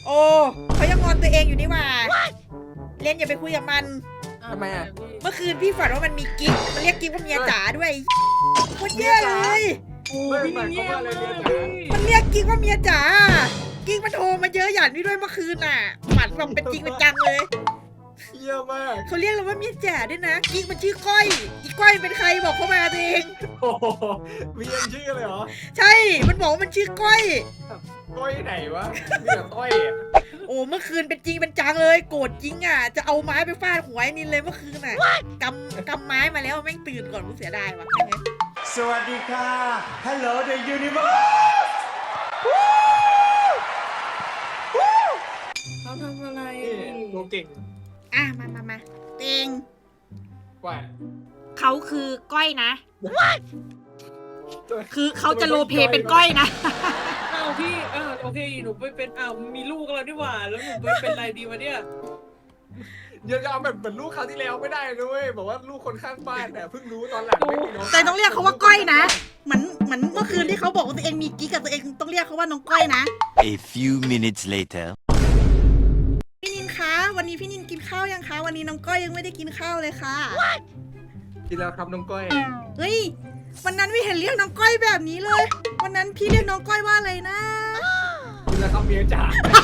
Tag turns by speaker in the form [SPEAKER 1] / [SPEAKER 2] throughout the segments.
[SPEAKER 1] โอ้เขายังงอนตัวเองอยู่นี่หว่าเล่นอย่าไปคุยกับมัน
[SPEAKER 2] ทำไมอ่ะ
[SPEAKER 1] เมื่อคืนพี่ฝันว่ามันมีกิ๊กมันเรียกกิ๊กว่าเมียจ๋าด้วยโคตรแย่เลย
[SPEAKER 2] ไม่หมายความว่าอะไรเนี่ยจ๋า
[SPEAKER 1] มันเรียกกิ๊กว่าเมียจ๋ากิ๊กมันโทรมาเยอะหยันพี่ด้วยเมื่อคืนน่ะฝันแบบเป็นจริงเป็นจังเลย
[SPEAKER 2] เยี่ยมมาก
[SPEAKER 1] เขาเรียกเราว่าเมียจ๋าด้วยนะกิ๊กมันชื่อก้อยอีก้อยเป็นใครบอกเขามาตัวเอง
[SPEAKER 2] โอ้โหมียังชื่อเลยเหรอ
[SPEAKER 1] ใช่มันบอกว่ามันชื่อก้อย
[SPEAKER 2] ต้อยไหนวะมีแต่ต้อยอ่ะ
[SPEAKER 1] โอ้เมื่อคืนเป็นจริงเป็นจังเลยโกรธจริงอ่ะจะเอาไม้ไปฟาดหัวไอ้นินเลยเมื่อคืนน่ะกำไม้มาแล้วแม่งตื่นก่อนกูเสียดายว่ะ
[SPEAKER 3] สวัสดีค่ะ Hello the universe
[SPEAKER 4] เขาทำอะไร
[SPEAKER 2] นี่ตัวเก่ง
[SPEAKER 1] อ่ะมาเต็ง
[SPEAKER 2] กว่า
[SPEAKER 1] เขาคือก้อยนะ คือเขาจะโรลเพลย์เป็นก้อยนะ
[SPEAKER 4] อ้าวพี่โอเคหนูไปเป็นมีลูกแล้วนี่หว่าแล้วหนูไปเป็นอะไรดีวะเนี่ย
[SPEAKER 2] เดี๋ยวจะเอาแบบเหมือนลูกคราวที่แล้วไม่ได้นะเว้ยบอกว่าลูกคนข้างบ้านแต่เพิ่งรู้ตอนหลังไม่มีน้อง
[SPEAKER 1] แต่ต้องเรียกเขาว่าก้อยนะเหมือนเมื่อคืนที่เขาบอกว่าตัวเองมีกิ๊กกับตัวเองต้องเรียกเขาว่าน้องก้อยนะ
[SPEAKER 5] A few minutes later.
[SPEAKER 1] พี่นินคะวันนี้พี่นินกินข้าวยังคะวันนี้น้องก้อยยังไม่ได้กินข้าวเลยค่ะ
[SPEAKER 2] กินแล้วครับน้องก้อย
[SPEAKER 1] เฮ้ยวันนั้นไม่เห็นเรียกน้องก้อยแบบนี้เลย วันนั้นพี่เรียกน้องก้อยว่าอะไรนะ
[SPEAKER 2] กินแล้วครับเมียจ๋า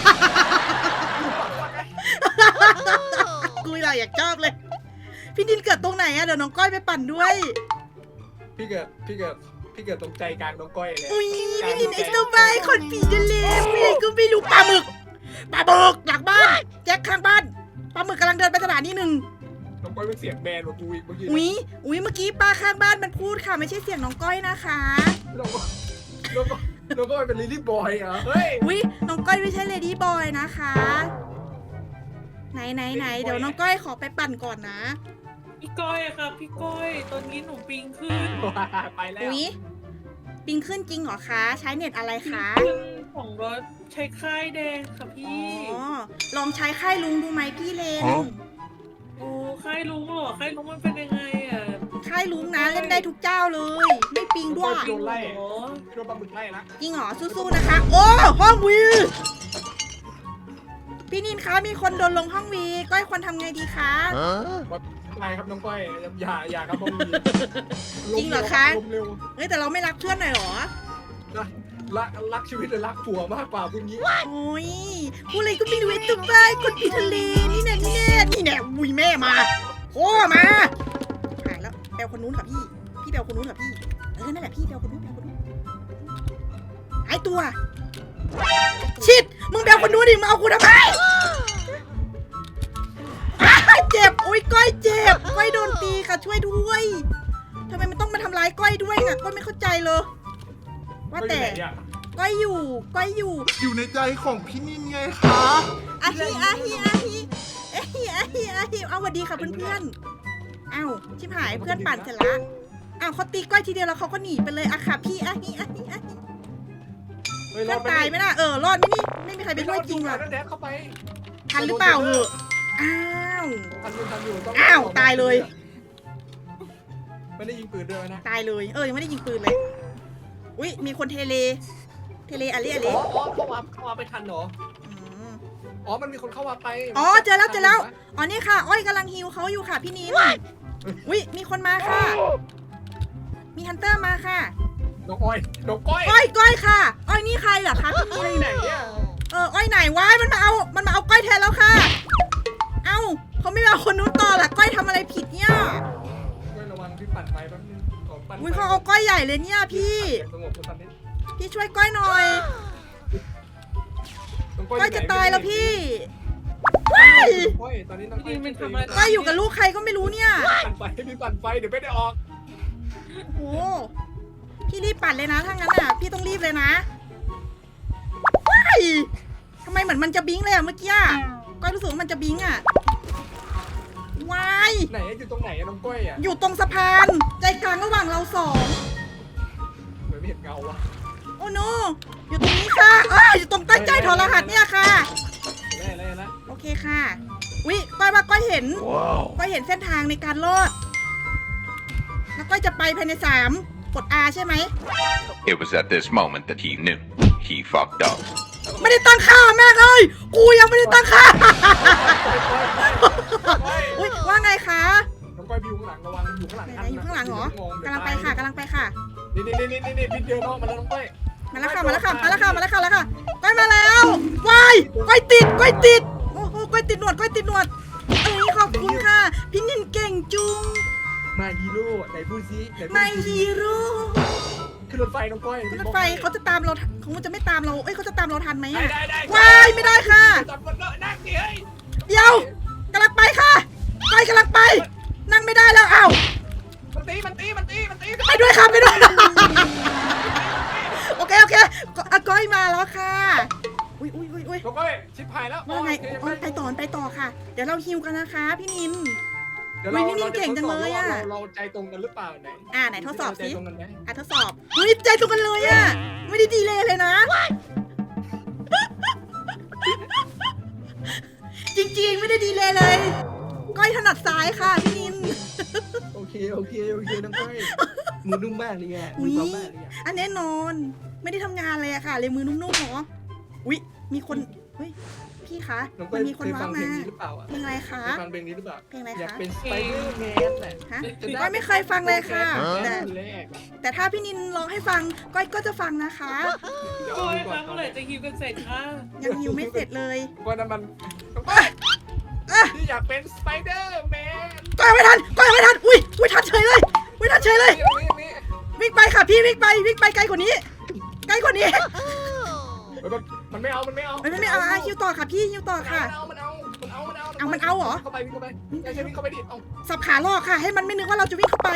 [SPEAKER 1] กูอยากชอบเลย พี่นินเกิดตรงไหนอะเดี๋ยวน้องก้อยไปปั่นด้วย
[SPEAKER 2] พี่เกิดตรงใจกลางน้องก้อยเลย
[SPEAKER 1] อุ้ยพี่นินไอ้สบายคนผีทะเลผู้ใหญ่ก็ไม่รู้ปลาหมึกหลังบ้านแจ็คข้างบ้านปลาหมึกกำลังเดินไปสถานีหนึ่ง
[SPEAKER 2] น้องก้อยเป็นเสียงแบนกว่ากูอีกเมื่อกี้
[SPEAKER 1] อุ้ยเมื่อกี้ป้าข้างบ้านมันพูดค่ะไม่ใช่เสียงน้องก้อยนะคะ
[SPEAKER 2] น้องก้อยเป็นลิลลี่บอยเหรอเฮ้ย
[SPEAKER 1] อุ้ยน้องก้อยไม่ใช่เลดี้บอยนะคะ ไหนเดี๋ยวน้องก้อยขอไปปั่นก่อนนะ
[SPEAKER 4] พี่ก้อยอะครับพี่ก้อยตอนนี้หนูปิงขึ้น
[SPEAKER 2] ไปแล้ว
[SPEAKER 1] อุ้ยปิงขึ้นจริงเหรอคะใช้เน็ตอะไรคะ
[SPEAKER 4] ขึ้นของรถใช้ค่ายแดงค่ะ
[SPEAKER 1] อ๋
[SPEAKER 4] พี่
[SPEAKER 1] อลองใช้ค่ายลุงดูไหมพี่เลน
[SPEAKER 4] โอ้ค่ายลุงเหรอค่ายลุงมันเป็นยังไงอ่ะ
[SPEAKER 1] ค่ายลุงนะเล่นได้ทุกเจ้าเลย ไม่ปิงด้วย
[SPEAKER 2] โดนไล่
[SPEAKER 4] โอ้
[SPEAKER 2] โดนปลาหมึกไล่ละ
[SPEAKER 1] จริงเหรอสู้ๆนะคะ โอ้ห้องวีพี่นินคะมีคนโดนลงห้องวีก้อยควรทำไงดีคะ
[SPEAKER 2] ไล่ครับน้องก้อยอย่าครับน้อง
[SPEAKER 1] จริงเหรอคะ
[SPEAKER 2] ลมเร็ว
[SPEAKER 1] เฮ้ยแต่เราไม่รักเพื่อนหน่อยเหรอ
[SPEAKER 2] รักชีวิตหรือรักผัวมากกว่าพวกนี้
[SPEAKER 1] โอ้ยพูดอะไรก็ไม่รู้ไอ้ตุ๊กตาคนผีทะเลนี่แน่อุ้ยแม่มาโอ้มาหายแล้วแปลคนนู้นกับพี่แปลคนนู้นกับพี่นั่นแหละพี่แปลคนนู้นหายตัวชิดมึงแปลคนนู้นดิมึงเอากูทำไมเจ็บโอ้ยก้อยเจ็บก้อยโดนตีค่ะช่วยด้วยทำไมมันต้องมาทำร้ายก้อยด้วยน่ะก้อยไม่เข้าใจเลยว่าแต่ก้อยอยู่
[SPEAKER 3] อยู่ในใจของพี่นินไงคะ
[SPEAKER 1] อาฮิเอาสวัสดีค่ะเพื่อนๆอ้าวชิบหายเพื่อนปั่นเสร็จละอ้าวเขาตีก้อยทีเดียวแล้วเขาก็หนีไปเลยอะค่ะพี่อาฮิเพื่อนตายไหมล่ะรอดไหมนี่ไม่มีใครไปช่วยจริงหรอก
[SPEAKER 2] แดดเข้าไป
[SPEAKER 1] ทันหรือเปล่าเหอะอ้าว
[SPEAKER 2] ทันอยู่ต้อง
[SPEAKER 1] อ้าวตายเลย
[SPEAKER 2] ไม่ได้ยิงปืนด้วยนะ
[SPEAKER 1] ตายเลยยังไม่ได้ยิงปืนเลยอุ้ยมีคนเทเลอะไร
[SPEAKER 2] อ๋อเข้ามาไปทันเหรอ อ๋อ มันมีคนเข้ามาไป
[SPEAKER 1] อ๋อเจอแล้วอ๋อนี่ค่ะอ้อยกำลังฮิวเขาอยู่ค่ะพี่นิมอุ้ยมีคนมาค่ะ มีฮันเตอร์มาค่ะ
[SPEAKER 2] น้องอ้อยน้องก้อย
[SPEAKER 1] ก้อยค่ะ อ้อยนี่ใครเหรอคะพี่นิม
[SPEAKER 2] ไหนเนี่ย
[SPEAKER 1] อ้อยไหนวะมันมาเอาก้อยแทนแล้วค่ะ เอ้าเขาไม่เอาคนนู้นต่อล่ะก้อยทำอะไรผิดเนี่ย
[SPEAKER 2] ก้อยระวังพี่ปั่นไปแป๊บนึงปั่น
[SPEAKER 1] อุ้ยเขาเอาก้อยใหญ่เลยเนี่ยพี่
[SPEAKER 2] สงบตอนนี้
[SPEAKER 1] พี่ช่วยก้อยหน่อย ก้อยจะตายแล้วพี่
[SPEAKER 2] ก้อยตอนนี้น้อง
[SPEAKER 4] พี่ดินมันทำอะไร
[SPEAKER 1] ก้อยอยู่กับลูกใครก็ไม่รู้เนี่ย
[SPEAKER 2] ปั่นไฟพี่ปั่นไฟเดี๋ยวไม่ได้ออก
[SPEAKER 1] โอ้โหพี่รีบปั่นเลยนะถ้างั้นอ่ะพี่ต้องรีบเลยนะว้ายทำไมเหมือนมันจะบิงเลยอ่ะเมื่อกี้อ่ะก้อยรู้สึกว่ามันจะบิงอ่ะวาย
[SPEAKER 2] ไหนอยู่ตรงไหนน้องก้อยอ่ะ
[SPEAKER 1] อยู่ตรงสะพาน ใจกลางระหว่างเราสอง
[SPEAKER 2] เหมือนไม่เห็นเงาวะ
[SPEAKER 1] โอ้โนอยู่ตรงนี้ค่ะอยู่ตรงใต้ใจถอดรหัสเนี่ยค่ะ
[SPEAKER 2] แล้ว
[SPEAKER 1] โอเคค่ะวิก้อยว่าก้อยเห็นก้อยเห็นเส้นทางในการรอดแล้วก้อยจะไปภายใน3กด R ใช่ไหม
[SPEAKER 5] It was at this moment that he knew he fucked up.
[SPEAKER 1] ไม่ได้ตั้งค่าแม่งเลยกูยังไม่ได้ตั้งค่า
[SPEAKER 2] เฮ้ย
[SPEAKER 1] อุ้ยว่าไงคะ
[SPEAKER 2] น้องก้อยอยู่ข้างหลังระวังอยู่ข้างหลัง
[SPEAKER 1] ไหนๆอยู่ข้างหลังเหรอกำลังไปค่ะกำลังไปค่ะ
[SPEAKER 2] นี่พี่เจอน้องมาแล้วน้องก้อย
[SPEAKER 1] มาแล้วค่ะมาแล้วค่ะมาแล้วค่ะมาแล้วค่ะมาแล้วค่ะก้อยมาแล้ววายก้อยติดก้อยติดโอ้โหก้อยติดหนวดก้อยติดหนวดเอ้ยขอบคุณค่ะพี่นินเก่งจุง
[SPEAKER 2] มาฮีโร่ไหนพูดซิไหนพูด
[SPEAKER 1] ไม่
[SPEAKER 2] ซิ
[SPEAKER 1] ฮีโร่
[SPEAKER 2] ขึ้นรถไฟน้องก้อย
[SPEAKER 1] ขึ้นรถไฟเขาจะตามเราเขาจะไม่ตามเราเอ้ยเขาจะตามเราทันไหม
[SPEAKER 2] ได้
[SPEAKER 1] อะ
[SPEAKER 2] ได้
[SPEAKER 1] วายไม่ได้ค่ะ
[SPEAKER 2] จับบนรถนั่งดิเฮ้ย
[SPEAKER 1] เดี๋ยวกำลังไปค่ะไปกำลังไป นั่งไม่ได้แล้วอ้าว
[SPEAKER 2] มันตี
[SPEAKER 1] ไปด้วยค่ะไปด้วย โอเคอาก้อยมาแล้วค่ะอุ้ย
[SPEAKER 2] น้องก้อยชิบหายแล้ว
[SPEAKER 1] ว่าไง
[SPEAKER 2] โอเค
[SPEAKER 1] อ๋อไปต่อค่ะ เดี๋ยวเราฮิวกันนะคะพี่นิน
[SPEAKER 2] เดี๋ยว
[SPEAKER 1] อุ๊ยพี่นิ่มเก่งจังเลยอะ
[SPEAKER 2] เราใจตรงกันหรือเปล่าไหน
[SPEAKER 1] ไหนทดสอบสิ
[SPEAKER 2] ใจตรงกันไหม
[SPEAKER 1] ทดสอบอุ้ยใจตรงกันเลยอ่ะไม่ได้ดีเลยนะ จริงๆไม่ได้ดีเลยก้อยถนัดซ้ายค่ะพี่นิน
[SPEAKER 2] โอเคน้องก้อยมือนุ่มมากเลยอ่ะมือเบามากเลยอ่ะ
[SPEAKER 1] อันแน่นอนไม่ได้ทำงานเลยอะค่ะเลยมือนุ่มๆเหรออุ๊ยมีคนเฮ้ยพี่คะ
[SPEAKER 2] น้องก้
[SPEAKER 1] มั
[SPEAKER 2] อย
[SPEAKER 1] นมีคน
[SPEAKER 2] เคย
[SPEAKER 1] ว้า
[SPEAKER 2] ฟั
[SPEAKER 1] ว
[SPEAKER 2] งเพล
[SPEAKER 1] มาง
[SPEAKER 2] นี้หรือเปล่าอ่ะ
[SPEAKER 1] เพลงอะไรคะ
[SPEAKER 2] เคยฟังเพลงนี้หรือเปล่า
[SPEAKER 1] เพลงอะไร
[SPEAKER 2] อยาก
[SPEAKER 1] คะ
[SPEAKER 2] เป็นสไปเดอร์แมนแหละ
[SPEAKER 1] ฮะก้อยไม่เคยฟังเลยค่ะ
[SPEAKER 2] แต่
[SPEAKER 1] แต่
[SPEAKER 2] แรก
[SPEAKER 1] แต่ถ้าพี่นินร้องให้ฟังก้อยก็จะฟังนะคะ
[SPEAKER 2] เดี๋ยว
[SPEAKER 4] โอ้ย
[SPEAKER 2] ก่
[SPEAKER 4] ค
[SPEAKER 2] อ
[SPEAKER 4] รั้
[SPEAKER 2] น
[SPEAKER 4] งเมื่อไหร่จะฮิวกันเสร็จคะ
[SPEAKER 1] ยังฮิวไม่เสร็จเลย
[SPEAKER 2] ก่อนนั้นมันน้องก้อย
[SPEAKER 1] อ่ะ
[SPEAKER 2] พี่อยากเป็นสไปเดอร์แมน
[SPEAKER 1] ก้อยไม่ทันอุ้ยทันเฉยเลยทันเฉยเลย
[SPEAKER 2] นี่
[SPEAKER 1] วิ่งไปค่ะพี่วิ่งไปไกลกว่านี้
[SPEAKER 2] มันไม่เอา
[SPEAKER 1] ไม่ฮิวต่อค่ะพี่ฮิวต่อค่ะ
[SPEAKER 2] มันเอา
[SPEAKER 1] เอามันเอาเหรอ
[SPEAKER 2] เข้าไปวิ่งเข้าไปไม่ใช่วิ่งเข้าไปดิเอา
[SPEAKER 1] สับขาหลอกค่ะ ให้มันไม่นึกว่าเราจะวิ่งเข้าไป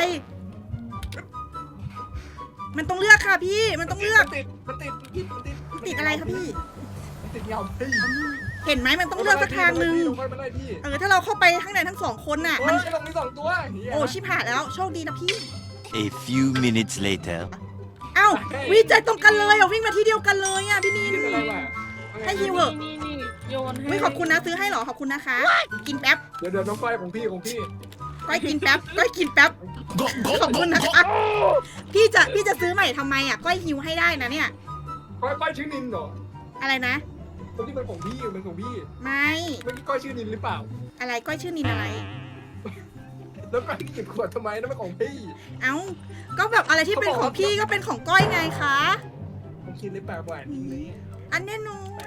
[SPEAKER 1] มันต้องเลือกค่ะพี่มันต้องเลือก
[SPEAKER 2] มันติด
[SPEAKER 1] ติดอะไรคะพี่
[SPEAKER 2] มันติดเงาพี่
[SPEAKER 1] เห็นไหมมันต้องเลือกสักทางหนึ่ง
[SPEAKER 2] มันได้พี่
[SPEAKER 1] ถ้าเราเข้าไปข้างในทั้งสองคนน่ะ
[SPEAKER 2] มั
[SPEAKER 1] มัน น
[SPEAKER 2] ลงมี2ตัว
[SPEAKER 1] โอ้ชิบหายแล้วโชคดีนะพี่
[SPEAKER 5] A few minutes later.
[SPEAKER 1] เอ้าวิจัยตรงกันเลยวิ่งมาที่เดียวกันเลยอ่ะพี่นิน ให้ฮิวเหอะ
[SPEAKER 4] นี่โยนให้
[SPEAKER 1] วิขอบคุณนะซื้อให้เหรอขอบคุณนะคะ กินแป๊บ
[SPEAKER 2] เดี๋ยวน้องก้อยของพี่
[SPEAKER 1] ก้อยกินแป๊บขอบคุณนะคะพี่จะซื้อใหม่ทำไมอ่ะก้อยฮิวให้ได้นะเนี่ย
[SPEAKER 2] ก้อยชื่อนินเหรอ
[SPEAKER 1] อะไรนะ
[SPEAKER 2] คนที่เป็นของพี่เป็นของพี่
[SPEAKER 1] ไม่
[SPEAKER 2] เมื่อกี้ก้อยชื่อนินหรือเปล่า
[SPEAKER 1] อะไรก้อยชื่อนินอะไร
[SPEAKER 2] แล้วก้อยเก็บขวดทำไมนั่นเป็นของพี่
[SPEAKER 1] เอ้าก็แบบอะไรที่เป็นของพี่ก็เป็นของก้อยไงคะ
[SPEAKER 2] ผมคิดหรือเปล่าว่านินนี้
[SPEAKER 1] อันแน่นอน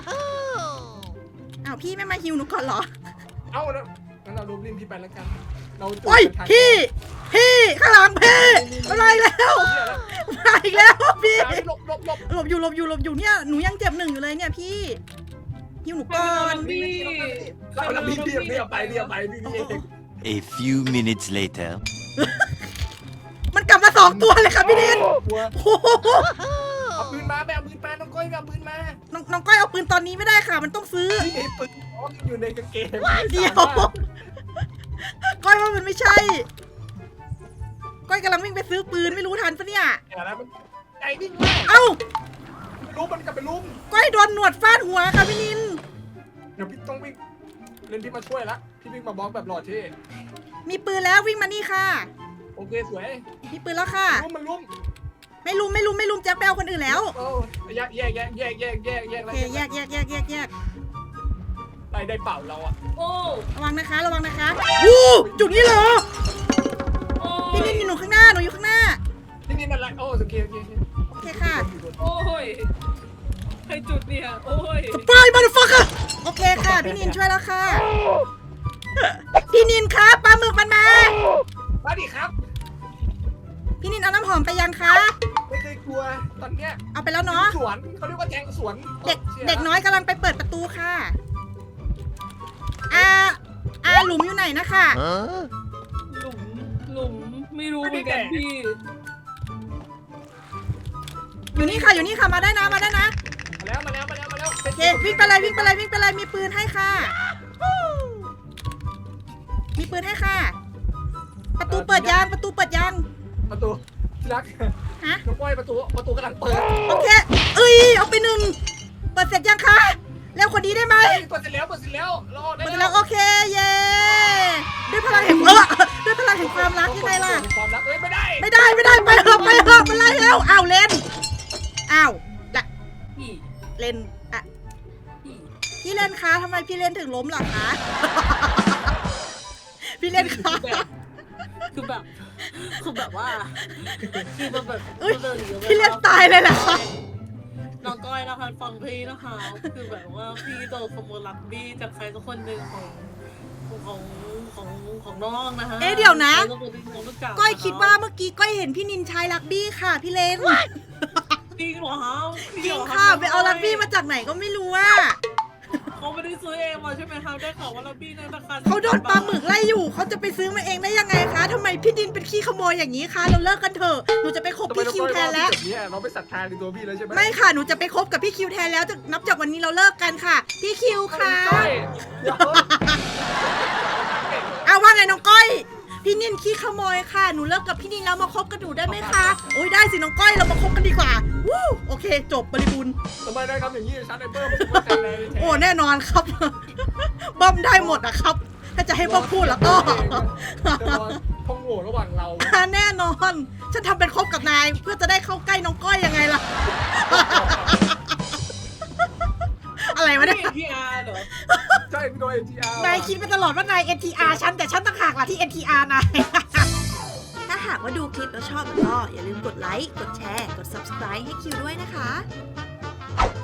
[SPEAKER 1] อ้าวพี่ไม่มาฮิวหนูก่อนเหรอ
[SPEAKER 2] เอ้านะงั้นเรารูปลิ้นพี่ไปแล้วกันเรา
[SPEAKER 1] โอ้ยพี่ข้างหลังพี่อะไรแล้วมาอีกแล้วพี่
[SPEAKER 2] หลบ
[SPEAKER 1] หลบอยู่เนี่ยหนูยังเจ็บ1อยู่เลยเนี่ยพี่ฮิวหนูก่อน
[SPEAKER 2] เราพี่เอาไปพี่
[SPEAKER 5] A few minutes later.
[SPEAKER 1] มันกลับมา2ตัวเลยค่ะพี่นินโอ้โห
[SPEAKER 2] เอาปืนมาแบบปืนมาน้องก้อยเอาปืนมา
[SPEAKER 1] น้องก้อยเอาปืนตอนนี้ไม่ได้ค่ะ มันต้องซื้อ
[SPEAKER 2] พี่มีปืนอยู่ในกางเกง
[SPEAKER 1] เดี๋ยวก้อยว่ามันไม่ใช่ ก้อยกำลังวิ่งไปซื้อปืนไม่รู้ทันปะเนี่ย
[SPEAKER 2] อย่าแล้วมันไอ้วิ่งมา
[SPEAKER 1] เอ้า
[SPEAKER 2] รู้มันกลับไปลุ้ม
[SPEAKER 1] ก้อยโดนหนวดฟาดหัวค่ะพี่นิน
[SPEAKER 2] เดี๋ยวพี่ต้องวิ่งเล่นพี่มาช่วยละพี่วิ่งมาบล็อกแบบหล่อเท่
[SPEAKER 1] มีปืนแล้ววิ่งมานี่ค่ะ
[SPEAKER 2] โอเคสวย
[SPEAKER 1] มีปืนแล้วค่ะ
[SPEAKER 2] มันลุ้ม
[SPEAKER 1] ไม่ลุมแจ็คแปลคนอื่นแล้ว
[SPEAKER 2] โอ้แยก
[SPEAKER 1] โอเคแยก
[SPEAKER 2] ได้เป่าเราอ่ะ
[SPEAKER 4] โอ้
[SPEAKER 1] ระวังนะคะวู้จุดนี้เหรอ
[SPEAKER 4] โอ้
[SPEAKER 1] พี่นินอยู่ข้างหน้าหนูอยู่ข้างหน้า
[SPEAKER 2] นี่นี่อะไรโอ้โอเค
[SPEAKER 1] โอเคค่ะ
[SPEAKER 4] โอ้ยใครจุดเนี่ยโอ้ย
[SPEAKER 1] สปายมาดฟักเกอร์โอเคค่ะพี่นินช่วยแล้วค่ะ พี่นินครับปลาหมึกมันมา
[SPEAKER 2] มาดิครับ
[SPEAKER 1] พี่นินเอาน้ำหอมไปยังคะ
[SPEAKER 2] ไม่เคยกลัวตอนเนี้ย
[SPEAKER 1] เอาไปแล้วเนาะ
[SPEAKER 2] สวนเขาเรียกว่าแทงสวน
[SPEAKER 1] เด็กน้อยกำลังไปเปิดประตูค่ะหลุมอยู่ไหนนะคะ
[SPEAKER 5] Huh?
[SPEAKER 4] หลุมไม่รู้เหมือนกันพี่
[SPEAKER 1] อยู่นี่ค่ะมาได้นะ
[SPEAKER 2] มาแล้ว
[SPEAKER 1] โอเควิ่งไปเลยมีปืนให้ค่ะ มีปืนให้ค่ะ ประตูเปิดยัง
[SPEAKER 2] ประตูที่รัก
[SPEAKER 1] ฮะ
[SPEAKER 2] น้องก้อยประตูกำลังเปิด
[SPEAKER 1] โอเคเอาไป1เปิดเสร็จยังคะเร็วกว่านี้ได้ไหม
[SPEAKER 2] เปิดเสร็จแล้วรอได้
[SPEAKER 1] เปิดแล้วโอเคเย้ด้วยพลังแห่งความรักยังไงล่ะ
[SPEAKER 2] ความรักไม่ได้
[SPEAKER 1] ไม่ได้ไปเถอะมันไล่แล้วอ้าวเล่นอ้าวละ
[SPEAKER 4] พี่
[SPEAKER 1] เล่นอะ
[SPEAKER 4] พี่
[SPEAKER 1] พี่เล่นคะทำไมพี่เล่นถึงล้มล่ะคะ พี่เล่นคะ
[SPEAKER 4] คือแบบว่าคือมันแบบ
[SPEAKER 1] เอ้ยพี่เล่นตายเลยเหรอคะ
[SPEAKER 4] น้องก้อยนะคะฟังพี่นะคะคือแบบว่าพี่โดนขโมยลักบี้จากใครสักคนหนึ่งของน้องนะคะ
[SPEAKER 1] เอ๊ะเดี๋ยวนะ
[SPEAKER 4] ใครสักคนที่น้องรู้จั
[SPEAKER 1] ก้อยคิดว่าเมื่อกี้ก้อยเห็นพี่นินใช้ลักบี้ค่ะ พี่เล่น
[SPEAKER 4] จริงเหรอคะ
[SPEAKER 1] จริงค่ะไปเอาลักบี้มาจากไหนก็ไม่รู้ว่า
[SPEAKER 4] เขาไม่ได้ซื้อเองมาใช่ไหมคะได้ข่าวว่าลักบี้ในราคา
[SPEAKER 1] เขาโดนปลาหมึกไล่อยู่เขาจะไปซื้อมาเองได้ยังไงคะทำไมพี่ดินเป็นขี้ขโมยอย่างนี้คะเราเลิกกันเถอะหนูจะไปคบ
[SPEAKER 2] ทำไม
[SPEAKER 1] พี่
[SPEAKER 2] น้อง
[SPEAKER 1] คิว
[SPEAKER 2] ก้อย
[SPEAKER 1] แท
[SPEAKER 2] ว่าน
[SPEAKER 1] แล้ว
[SPEAKER 2] แบบนี้เราไม่ศรัทธาในตัวพี่แล้วใช่ไหม
[SPEAKER 1] ไม่ค่ะหนูจะไปคบกับพี่คิวแทนแล้วนับจากวันนี้เราเลิกกันค่ะ พี่คิวค่ะ
[SPEAKER 2] ก้อยเดี๋ยว
[SPEAKER 1] เอาว่าไงน้องก้อย พี่นินขี้ขโมยค่ะหนูเลิกกับพี่นินแล้วมาคบกับหนูได้ไหมคะโอ้ยได้สิน้องก้อยเรามาคบกันดีกว่าวู้โอเค จบบริบูรณ์
[SPEAKER 2] ทำไมได้ครับอย่างนี้ชัดไอเปิ้ลมันไม่ใจแรงเลย
[SPEAKER 1] โอ้แน่นอนครับ บ้อมได้หมดอะครับ ถ้าจะให้บ้อมพูดแล้วก็
[SPEAKER 2] จะรอท่องโหว่ระหว่างเรา
[SPEAKER 1] แน่นอน ฉันทำเป็นคบกับนายเพื่อจะได้เข้าใกล้น้องก้อยยังไงล่ะ อะไรวะเนี่ย
[SPEAKER 4] พี่อาร์เหรอ
[SPEAKER 2] ใช่พี่โดน NTR
[SPEAKER 1] นายคิดมาตลอดว่านาย NTR ฉันแต่ฉันต่างหากล่ะที่ NTR นาย ถ้าหากว่าดูคลิปแล้วชอบก็อย่าลืมกดไลค์ กดแชร์ กด subscribe ให้คิวด้วยนะคะ